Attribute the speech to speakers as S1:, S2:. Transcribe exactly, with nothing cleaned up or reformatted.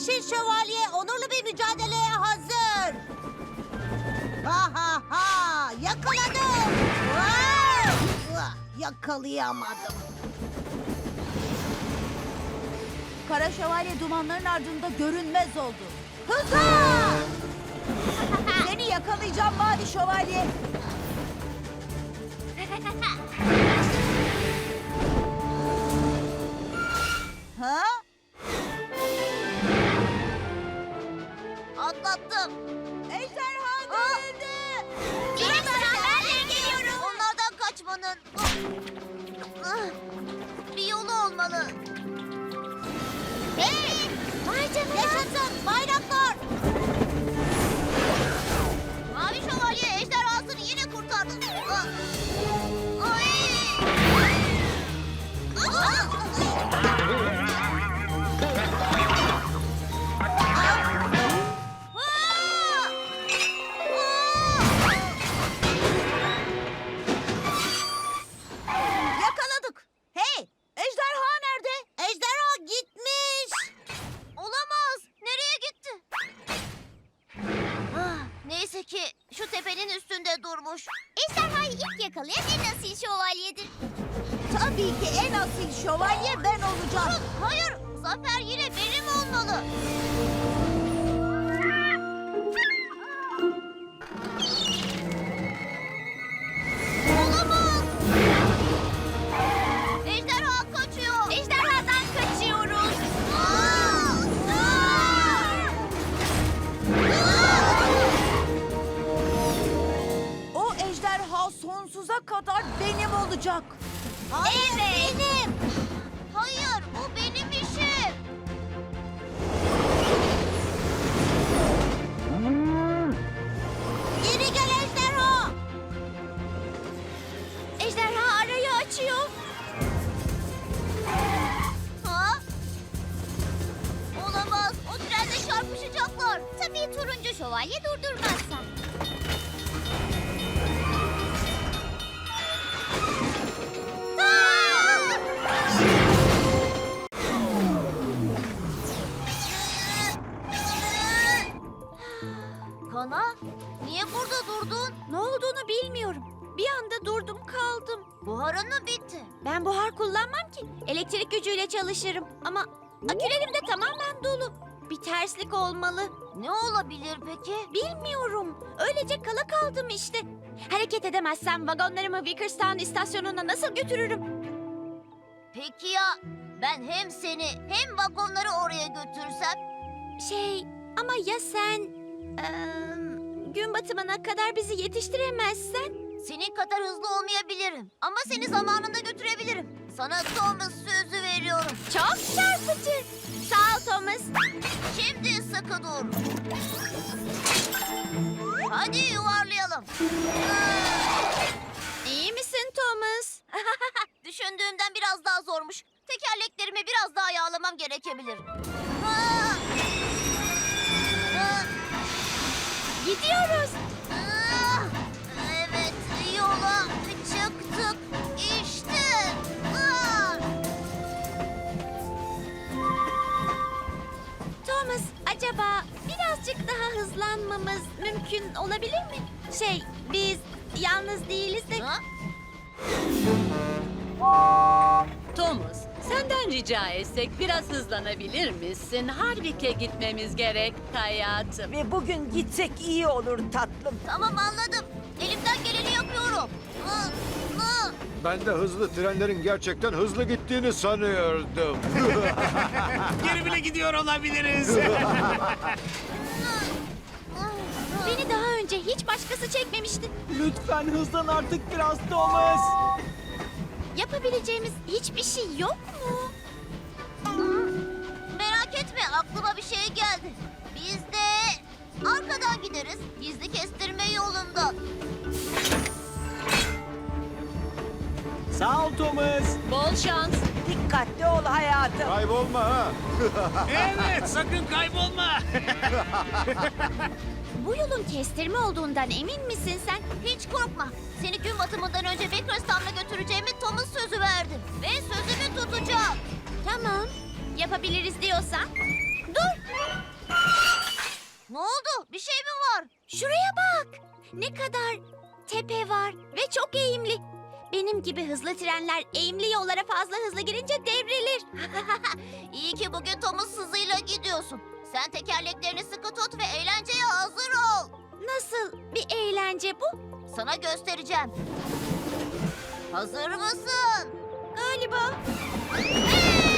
S1: Yeşil Şövalye onurlu bir mücadeleye hazır. Ha ha ha! Yakaladım! Vay! Vah, yakalayamadım.
S2: Kara Şövalye dumanların ardında görünmez oldu.
S1: Hızla!
S2: Seni yakalayacağım Mavi Şövalye. Ha?
S1: Atlattım.
S2: Ejderha görüldü.
S1: Yine ben de geliyorum. Onlardan kaçmanın bir yolu olmalı. Hey! Vay canına. Yaşasın bayraklar. Mavi Şövalye ejderhasını yine kurtardı. Ay!
S2: Yakaladık. Hey, ejderha nerede?
S1: Ejderha gitmiş. Olamaz. Nereye gitti? Ah, neyse ki şu tepenin üstünde durmuş. Ejderhayı ilk yakalayan en asil şövalyedir.
S2: Tabii ki en asil şövalye ben olacağım.
S1: Hayır, zafer yine benim olmalı. Olamaz. Ejderha kaçıyor. Ejderhadan kaçıyoruz. Aa! Aa!
S2: O ejderha sonsuza kadar benim olacak.
S1: Hayır, benim. Hayır, bu benim işim. Geri gel ejderha. Ejderha arayı açıyor. Ha? Olamaz. O trenle çarpışacaklar. Tabii turuncu şövalye durdurmazsa. Kana, niye burada durdun?
S2: Ne olduğunu bilmiyorum. Bir anda durdum kaldım.
S1: Buharın mı bitti?
S2: Ben buhar kullanmam ki. Elektrik gücüyle çalışırım. Ama akülerim de tamamen dolu. Bir terslik olmalı.
S1: Ne olabilir peki?
S2: Bilmiyorum. Öylece kala kaldım işte. Hareket edemezsem vagonlarımı Vickerstown istasyonuna nasıl götürürüm?
S1: Peki ya ben hem seni hem vagonları oraya götürsem?
S2: Şey ama ya sen eee, gün batımına kadar bizi yetiştiremezsen?
S1: Senin kadar hızlı olmayabilirim ama seni zamanında götürebilirim. Sana Thomas sözü veriyorum.
S2: Çok çarpıcı. Sağ ol Thomas.
S1: Şimdi sıkı dur. Hadi yuvarlayalım.
S2: İyi misin Thomas?
S1: Düşündüğümden biraz daha zormuş. Tekerleklerimi biraz daha yağlamam gerekebilir. Ha! Ha!
S2: Gidiyoruz.
S1: Ah! Evet, yola çıktık. İşte. Ah!
S2: Thomas, acaba birazcık daha hızlanmamız mümkün olabilir mi? Şey, biz yalnız değiliz de...
S1: Ha?
S3: Thomas, senden rica etsek biraz hızlanabilir misin? Harvik'e gitmemiz gerek hayatım.
S4: Ve bugün gitsek iyi olur tatlım.
S1: Tamam anladım. Elimden geleni yapıyorum. Ah! Ah!
S5: Ben de hızlı trenlerin gerçekten hızlı gittiğini sanıyordum.
S6: Geri bile gidiyor olabiliriz.
S2: Beni daha önce hiç başkası çekmemişti.
S4: Lütfen hızlan artık biraz Thomas.
S2: Yapabileceğimiz hiçbir şey yok mu?
S1: Merak etme, aklıma bir şey geldi. Biz de arkadan gideriz. Gizli kestirme yolundan.
S4: Sağ ol Thomas.
S3: Bol şans.
S4: Dikkatli ol hayatım.
S5: Kaybolma ha.
S6: Evet, sakın kaybolma.
S2: Bu yolun kestirme olduğundan emin misin sen?
S1: Hiç korkma. Seni gün batımından önce Vickerstown'a götüreceğimi Thomas sözü verdim. Ve sözümü tutacağım.
S2: Tamam. Yapabiliriz diyorsan. Dur.
S1: Ne oldu? Bir şey mi var?
S2: Şuraya bak. Ne kadar tepe var ve çok eğimli. Benim gibi hızlı trenler eğimli yollara fazla hızlı girince devrilir.
S1: İyi ki bugün Thomas hızıyla gidiyorsun. Sen tekerleklerini sıkı tut ve eğlenceye hazır ol.
S2: Nasıl bir eğlence bu?
S1: Sana göstereceğim. Hazır mısın?
S2: Galiba.
S1: Hey!